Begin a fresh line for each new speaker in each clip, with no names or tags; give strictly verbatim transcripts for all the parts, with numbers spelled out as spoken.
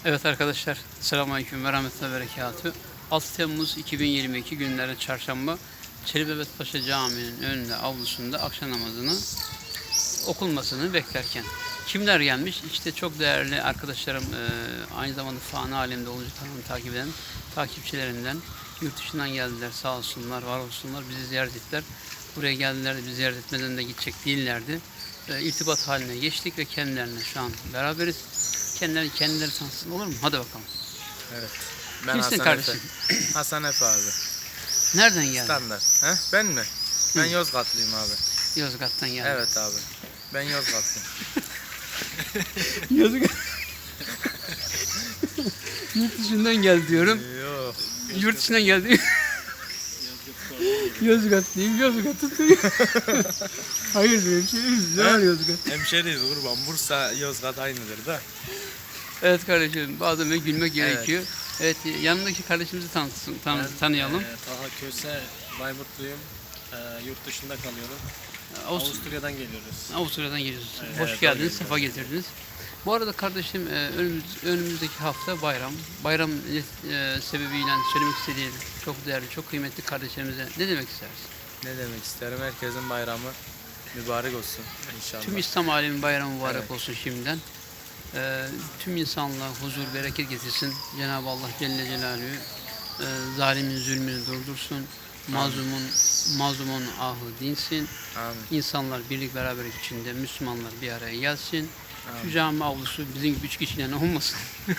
Evet arkadaşlar, selamünaleyküm ve rahmetullahi ve berekatühü. altı Temmuz iki bin yirmi iki günlerden çarşamba, Çelebi Mehmet Paşa Camii'nin önünde, avlusunda akşam namazını okunmasını beklerken kimler gelmiş? İşte çok değerli arkadaşlarım, e, aynı zamanda fani alemde olunca kanalını takip eden takipçilerimden yurt dışından geldiler, sağ olsunlar, var olsunlar, bizi ziyaret ettiler. Buraya geldiler de bizi ziyaret etmeden de gidecek değillerdi. E, irtibat haline geçtik ve kendilerine şu an beraberiz. Kendileri kendileri tanısın, olur mu? Hadi bakalım.
Evet. Ben
Kimsin
Hasan
kardeşim?
Efe. Hasan Efe abi.
Nereden geldin?
Standart. He? Ben mi? Ben Yozgatlıyım abi.
Yozgat'tan geldin.
Evet abi. Ben Yozgatlıyım.
Yozgat. Yurt dışından gel diyorum.
Yok.
Yurt dışından geldi. Yozgatlıyım, Yozgat'ı Hayır diyor, şey ne var Yozgat?
Hemşeriyiz kurban. Bursa, Yozgat aynıdır da.
Evet kardeşim, bazen de gülmek gerekiyor. Evet, yanındaki kardeşimizi tanıtsın, tan
Ben,
tanıyalım.
E, Taha Köse, Bayburtluyum. E, yurt dışında kalıyorum.
Avust
Avusturya'dan geliyoruz.
Avusturya'dan geliyorsunuz.
Evet,
Hoş
evet,
geldiniz,
doğru.
sefa getirdiniz. Bu arada kardeşim, e, önümüz, önümüzdeki hafta bayram. Bayram e, sebebiyle söylemek istediğim çok değerli, çok kıymetli kardeşlerimize ne demek istersin?
Ne demek isterim? Herkesin bayramı mübarek olsun inşallah.
Tüm İslam aleminin bayramı mübarek
Evet.
olsun şimdiden. Ee, tüm insanlığa huzur, bereket getirsin. Cenab-ı Allah Celle Celaluhu e, zalimin zulmünü durdursun. Mazlumun mazlumun ahı dinsin.
Amin.
İnsanlar birlik beraberlik içinde, Müslümanlar bir araya gelsin. Şu
Amin.
cami avlusu bizim gibi üç kişiyle olmasın.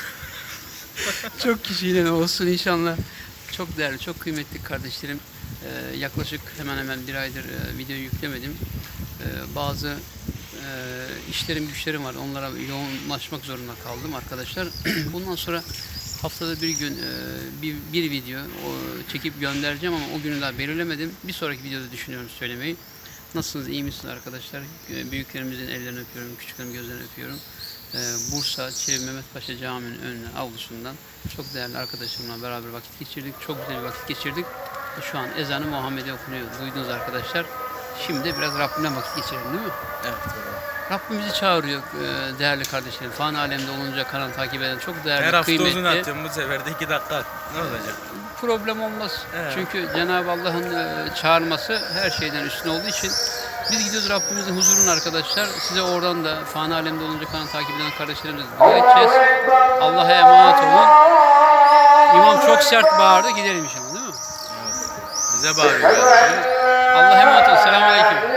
Çok kişiyle olsun inşallah. Çok değerli, çok kıymetli kardeşlerim. Ee, yaklaşık hemen hemen bir aydır e, video yüklemedim. Ee, bazı e, işlerim, güçlerim var. Onlara yoğunlaşmak zorunda kaldım arkadaşlar. Bundan sonra haftada bir gün e, bir, bir video o, çekip göndereceğim ama o günü daha belirlemedim. Bir sonraki videoda düşünüyorum söylemeyi. Nasılsınız, iyi misiniz arkadaşlar? E, Büyüklerimizin ellerini öpüyorum, küçüklerimizin gözlerini öpüyorum. Ee, Bursa Çelebi Mehmet Paşa Camii'nin önüne, avlusundan çok değerli arkadaşlarımla beraber vakit geçirdik. Çok güzel bir vakit geçirdik. Şu an ezanı Muhammed'e okunuyor. Duydunuz arkadaşlar. Şimdi de biraz Rabbimle vakit geçirelim değil mi?
Evet. Doğru.
Rabbim bizi çağırıyor e, değerli kardeşlerim. Fani alemde olunca kanal takip eden çok değerli,
Her hafta
kıymetli.
uzun atıyorum, bu sefer de iki dakika. Ne olacak?
Problem olmaz.
Evet.
Çünkü Cenab-ı Allah'ın e, çağırması her şeyden üstün olduğu için biz gidiyoruz Rabbimizin huzuruna arkadaşlar. Size oradan da fani alemde olunca kanal takip eden kardeşlerimize dua edeceğiz. Allah'a emanet olun. İmam çok sert bağırdı. Gidelim inşallah değil mi?
Evet. Bize bağırıyor.
Allah'a emanet olun. Selamun Aleyküm.